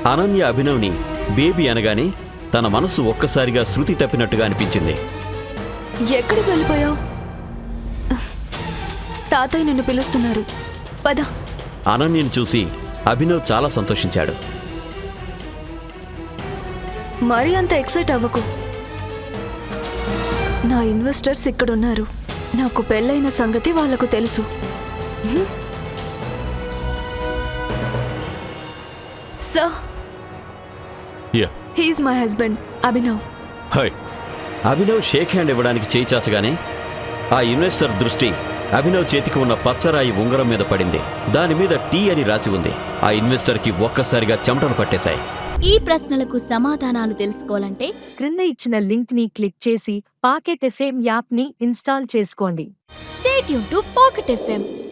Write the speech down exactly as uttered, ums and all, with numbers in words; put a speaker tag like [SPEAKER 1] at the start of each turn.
[SPEAKER 1] Ananya అభినవ్ని baby అనగానే తన మనసు ఒక్కసారిగా శృతి తప్పినట్టుగా అనిపించింది.
[SPEAKER 2] ఎక్కడికి వెళ్ళిపోయావు? తాతయ్య నిన్ను పిలుస్తున్నారు, పద.
[SPEAKER 1] అనన్యను చూసి అభినవ్ చాలా సంతోషించాడు.
[SPEAKER 2] మరీ అంత ఎక్సైట్ అవ్వకు. నా ఇన్వెస్టర్స్ ఇక్కడున్నారు. నాకు పెళ్ళైన సంగతి వాళ్లకు తెలుసు. Sir, he's my husband Abhinav.
[SPEAKER 1] Hi. Abhinav shake hand ఇవ్వడానికి చేయి చాచగానే ఆ ఇన్వెస్టర్ దృష్టి అభినవ్ చేతికి ఉన్న పచ్చరాయి ఉంగరం మీద పడింది. దాని మీద టీ అని రాసి ఉంది. ఆ ఇన్వెస్టర్కి ఒక్కసారిగా చెమటలు పట్టేశాయి.
[SPEAKER 3] ఈ ప్రశ్నలకు సమాధానాలు తెలుసుకోవాలంటే
[SPEAKER 4] క్రింద ఇచ్చిన లింక్ ని క్లిక్ చేసి పాకెట్ ఎఫ్ఎం యాప్ ని ఇన్స్టాల్ చేసుకోండి.
[SPEAKER 3] Stay tuned to pocket FM.